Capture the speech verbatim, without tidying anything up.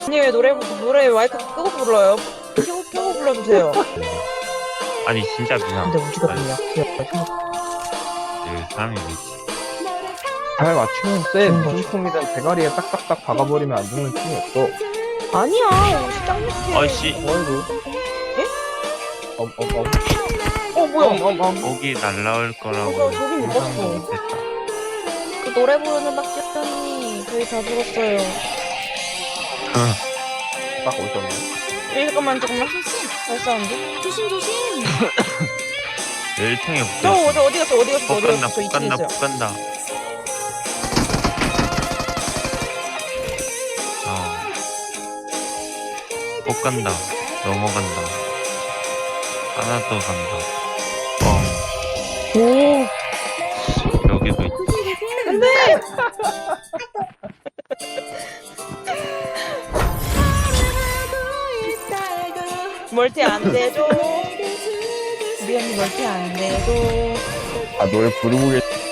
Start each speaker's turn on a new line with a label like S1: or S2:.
S1: 아니 왜 노래 부- 노래 마이크 끄고 불러요? 켜고 켜고 불러주세요.
S2: 아니 진짜 그냥
S1: 근데 우지거든요. 귀여워.
S2: 그 사람이 왜 있지?
S3: 잘 맞추면 쎄.
S1: 좋은
S3: 무슨
S1: 거죠.
S3: 총이든 대가리에 딱딱딱 박아버리면 안 죽는 총이 없어.
S1: 아니야. 옷이 짱 예쁘게.
S2: 아이씨
S3: 어이구.
S1: 예?
S3: 엄엄엄.
S1: 어 뭐야?
S3: 엄엄엄.
S2: 거기 날라올 거라고
S1: 어, 저기 못 봤어.
S2: 상상도 못했다.
S1: 그 노래 부르는 박지현 언니 저희 다 죽었어요.
S3: 딱 오셨네.
S1: 예, 잠깐만 잠깐만. 잘 사운드.
S4: 조심 조심.
S2: 열창에
S1: 저
S2: 붙어.
S1: 어디 어디 갔어 어디 갔어 어디
S2: 볶간다
S1: 갔어 저 이층에
S2: 볶간다
S1: 있어요.
S2: 볶간다. 어. 볶간다 넘어간다. 하나 더 간다.
S1: 오.
S2: 뻥 여기도 있다.
S1: 멀티 안 되죠. 우리 언니 멀티 안 되죠.
S3: 아 노래 부르고 계시.